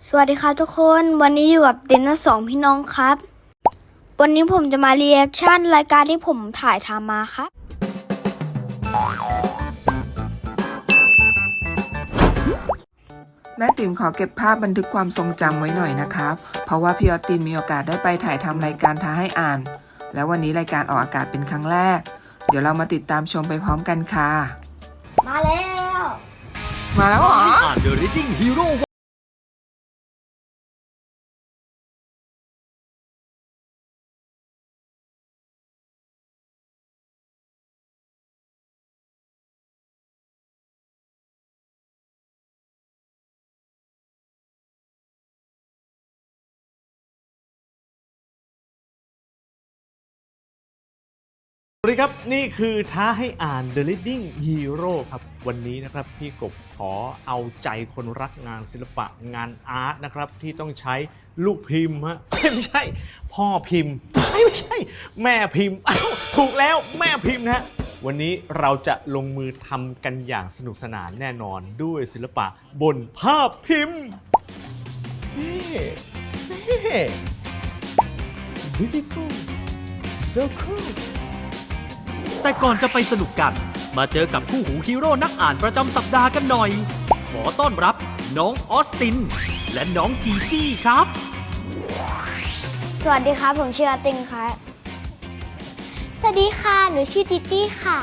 สวัสดีครับทุกคนวันนี้อยู่กับตินสองพี่น้องครับวันนี้ผมจะมารีแอคชั่นรายการที่ผมถ่ายทำมาครับแม่ติ๋มขอเก็บภาพบันทึกความทรงจำไว้หน่อยนะครับเพราะว่าพี่ออสตินมีโอกาสได้ไปถ่ายทำรายการท้าให้อ่านแล้ววันนี้รายการออกอากาศเป็นครั้งแรกเดี๋ยวเรามาติดตามชมไปพร้อมกันค่ะมาแล้วเหรออ่าน The Reading Heroสวัสดีครับนี่คือท้าให้อ่าน The Reading Hero ครับวันนี้นะครับพี่กบขอเอาใจคนรักงานศิลปะงานอาร์ตนะครับที่ต้องใช้ลูกพิมพ์ฮะไม่ใช่พ่อพิมพ์ไม่ใช่แม่พิมพ์ถูกแล้วแม่พิมพ์นะฮะวันนี้เราจะลงมือทำกันอย่างสนุกสนานแน่นอนด้วยศิลปะบนภาพพิมพ์นี่ beautiful so coolแต่ก่อนจะไปสนุกกันมาเจอกับคู่หูฮีโร่นักอ่านประจำสัปดาห์กันหน่อยขอต้อนรับน้องออสตินและน้องจีจี้ครับสวัสดีครับผมชื่ออาติงครับสวัสดีค่ะหนูชื่อจิจี้ค่ะ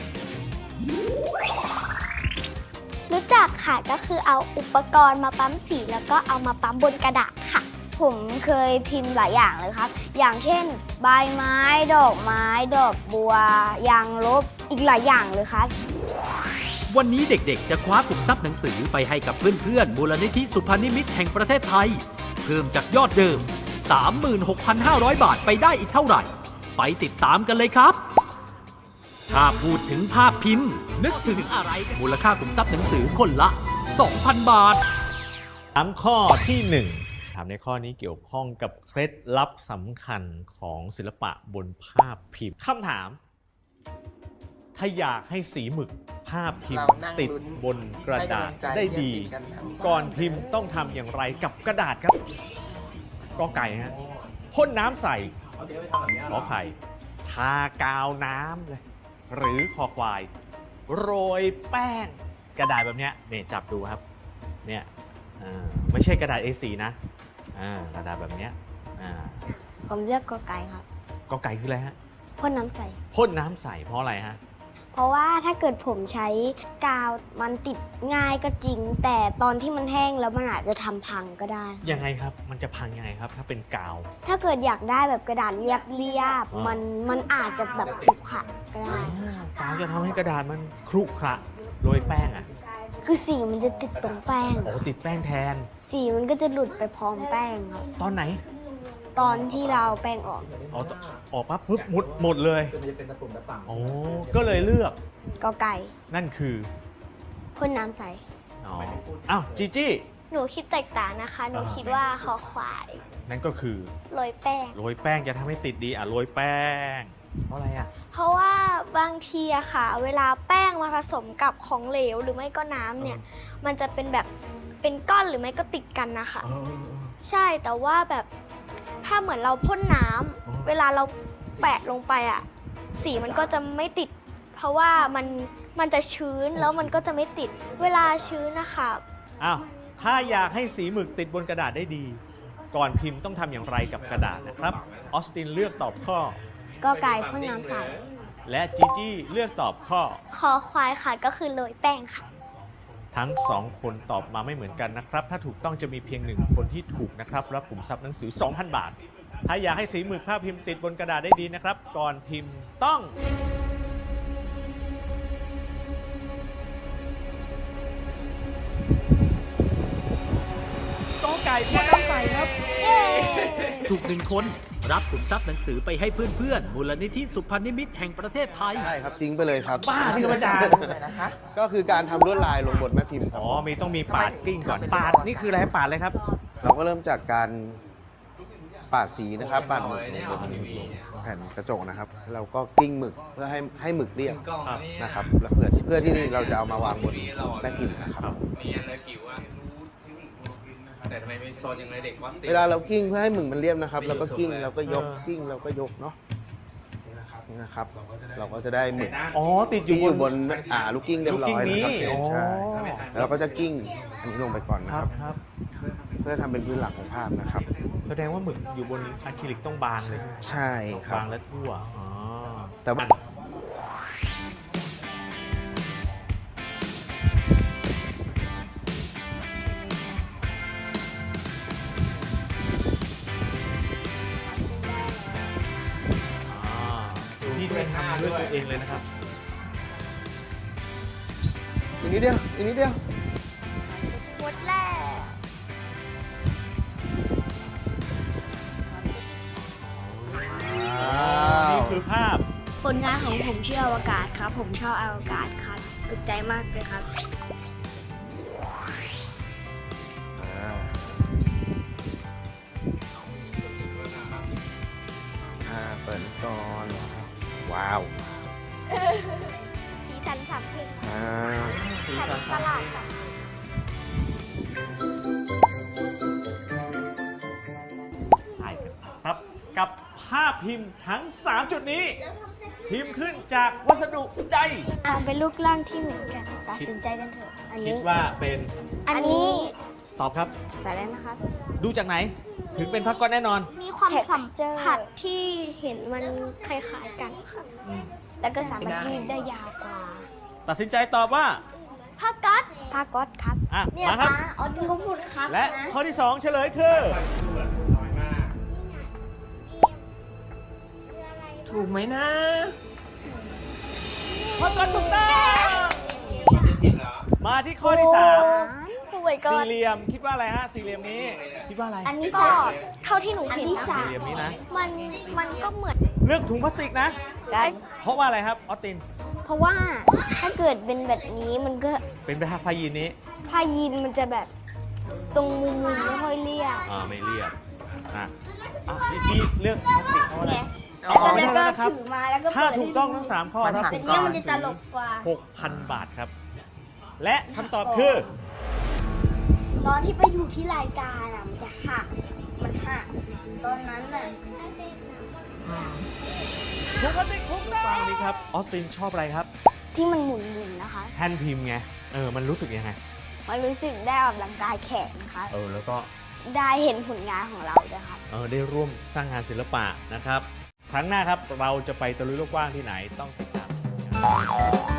รู้จักค่ะก็คือเอาอุปกรณ์มาปั๊มสีแล้วก็เอามาปั๊มบนกระดาษค่ะผมเคยพิมพ์หลายอย่างเลยครับอย่างเช่นใบไม้ดอกไม้ดอกบัวยางลบอีกหลายอย่างเลยครับวันนี้เด็กๆจะคว้าขุมทรัพย์หนังสือไปให้กับเพื่อนๆมูลนิธิสุพรรณนิมิตแห่งประเทศไทยเพิ่มจากยอดเดิม 36,500 บาทไปได้อีกเท่าไหร่ไปติดตามกันเลยครับถ้าพูดถึงภาพพิมพ์นึกถึงอะไรมูลค่าขุมทรัพย์หนังสือคนละ 2,000 บาทถามข้อที่ 1ถามในข้อนี้เกี่ยวข้องกับเคล็ดลับสำคัญของศิลปะบนภาพพิมพ์คำถามถ้าอยากให้สีหมึกภาพพิมพ์ติดบนกระดาษได้ดีก่อนพิมพ์ต้องทำอย่างไรกับกระดาษครับกอไก่ฮะพ่นน้ำใส่ขอไข่ทากาวน้ำเลยหรือคอควายโรยแป้งกระดาษแบบนี้เนี่ยจับดูครับเนี่ยไม่ใช่กระดาษ A4 นะกระดาษแบบนี้ผมเลือกกอไก่ครับกอไก่คืออะไรฮะพ่นน้ำใสพ่นน้ำใสเพราะอะไรฮะเพราะว่าถ้าเกิดผมใช้กาวมันติดง่ายก็จริงแต่ตอนที่มันแห้งแล้วมันอาจจะทำพังก็ได้ยังไงครับมันจะพังยังไงครับถ้าเป็นกาวถ้าเกิดอยากได้แบบกระดาษเรียบๆมันอาจจะแบบขรุขระก็ได้กาวจะทำให้กระดาษมันครุขระโรยแป้งคือสีมันจะติดตรงแป้งติดแป้งแทนสีมันก็จะหลุดไปพร้อมแป้งครับตอนไหนตอนที่เราแป้งออกปั๊บปุ๊บหมดเลยก็เลยเลือกกอไก่นั่นคือพ่นน้ำใสอ้าวจีจี้หนูคิดแตกต่างนะคะหนูคิดว่าคอควายนั่นก็คือโรยแป้งจะทำให้ติดดีโรยแป้งเพราะอะไรเพราะว่าบางทีอะค่ะเวลาแป้งมาผสมกับของเหลวหรือไม่ก็น้ำเนี่ยมันจะเป็นแบบเป็นก้อนหรือไม่ก็ติดกันนะคะใช่แต่ว่าแบบถ้าเหมือนเราพ่นน้ำเวลาเราแปะลงไปอะสีมันก็จะไม่ติดเพราะว่ามันจะชื้นแล้วมันก็จะไม่ติดเวลาชื้นนะคะถ้าอยากให้สีหมึกติดบนกระดาษได้ดีก่อนพิมพ์ต้องทำอย่างไรกับกระดาษนะครับออสตินเลือกตอบข้อกอไก่พ่นน้ำใสและจีจี้เลือกตอบข้อคอควายค่ะก็คือโรยแป้งค่ะทั้ง2คนตอบมาไม่เหมือนกันนะครับถ้าถูกต้องจะมีเพียง1คนที่ถูกนะครับรับขุมทรัพย์หนังสือ 2,000 บาทถ้าอยากให้สีหมึกภาพพิมพ์ติดบนกระดาษได้ดีนะครับก่อนพิมพ์ต้องกอไก่พ่นน้ำใสครับถูก1คนรับขุมทรัพย์หนังสือไปให้เพื่อนๆมูลนิธิสุพรรณนิมิตแห่งประเทศไทยใช่ครับทิ้งไปเลยครับบ้าที่อาจารย์ก็คือการทำลวดลายลงบนแม่พิมพ์ครับต้องมีปาดกิ้งก่อนปาดนี่คืออะไรปาดเลยครับเราก็เริ่มจากการปาดสีนะครับปาดหมึกลงบนแผ่นกระจกนะครับเราก็กิ้งหมึกเพื่อให้หมึกเรียบนะครับแล้วเพื่อที่เราจะเอามาวางบนแม่พิมพ์นะครับแต่ทำไมไม่โซนอย่างไรเด็กวัดติดเวลาเรากิ้งเพื่อให้หมึกมันเรียบนะครับเราก็กิ้งเราก็ยกกิ้งเราก็ยกเนาะนี่นะครับ เราก็จะได้หมึกอ๋อติดอที่ยู่อบ ยู่นบนลูกกิ้งเรียบร้อยลูกกิ้งนี้นะครับอ๋อใช่แล้วเราก็จะกิ้งอันนี้ลงไปก่อนนะคครัรับบ ครับเพื่อทำเป็นพื้นหลักของภาพนะครับแสดงว่าหมึกอยู่บนอะคริลิกต้องบางเลยใช่ครับบางและทั่วอ๋อแต่ว่านี่ด้วยทำด้วยตัวเองเลยนะครับอีกนิดเดียวอีกนิดเดียวหมดแล้วนี่คือภาพผลงานของผมชื่ออวกาศครับ ผมชอบอวกาศครับถูกใจมากเลยครับเปิดก่อนว้าวสีสันสามเพลงสีสันสันประหลาดสามใช่ครับกับภาพพิมพ์ทั้ง 3 จุดนี้ พิมพ์ขึ้นจากวัสดุใดมองเป็นรูปร่างที่เหมือนกันตัดสินใจกันเถอะ อันคินี้ดว่าเป็นอันนี้ตอบครับสายแล้วนะครับดูจากไหน ถึงเป็นภาพก้อนแน่นอนมีความสัมผัสที่เห็นมันคล้ายๆกันครับ แล้วก็สามารถยืดได้ยาวกว่าตัดสินใจตอบว่าผ้าก๊อตผ้าก๊อตครับอ่ะมาครับอ๋อที่เขาพูดครับและข้อที่ 2 เฉลยคือถูกไหมนะข้อต้นถูกต้องมาที่ข้อที่ป่วย 3 ก็สี่เหลี่ยมคิดว่าอะไรฮะสี่เหลี่ยมนี้คิดว่าอะไรอันนี้ก็เท่าที่หนูเห็นนะสี่เหลี่ยมนี้นะมันก็เหมือนเลือกถุงพลาสติกนะได้เพราะว่าอะไรครับออสตินเพราะว่าถ้าเกิดเป็นแบบนี้มันก็เป็นผ้ายีนนี้ผ้ายีนมันจะแบบตรงมุมๆไม่ค่อยเรียบไม่เรียบพี่เลือกพลาสติกเพราะอะไรแล้วก็นะครับถือมาแล้วก็ถ้าเปิดถูกต้องทั้ง 3 ข้อรับแบถุบงนี้ก่อนมันจะตลกกว่า 6,000 บาทครับ และคำตอบคือตอนที่ไปอยู่ที่รายการอ่ะมันจะหัก มันหัก ตอนนั้นน่ะถุงพลาสติกถูกต้องนี่ครับออสตินชอบอะไรครับที่มันหมุนๆนะคะแท่นพิมพ์ไงมันรู้สึกยังไงมันรู้สึกได้ออกกำลังกายแขนนะคะแล้วก็ได้เห็นผลงานของเราด้วยครับได้ร่วมสร้างงานศิลปะนะครับ ครั้งหน้าครับเราจะไปตะลุยโลกกว้างที่ไหนต้องติดตาม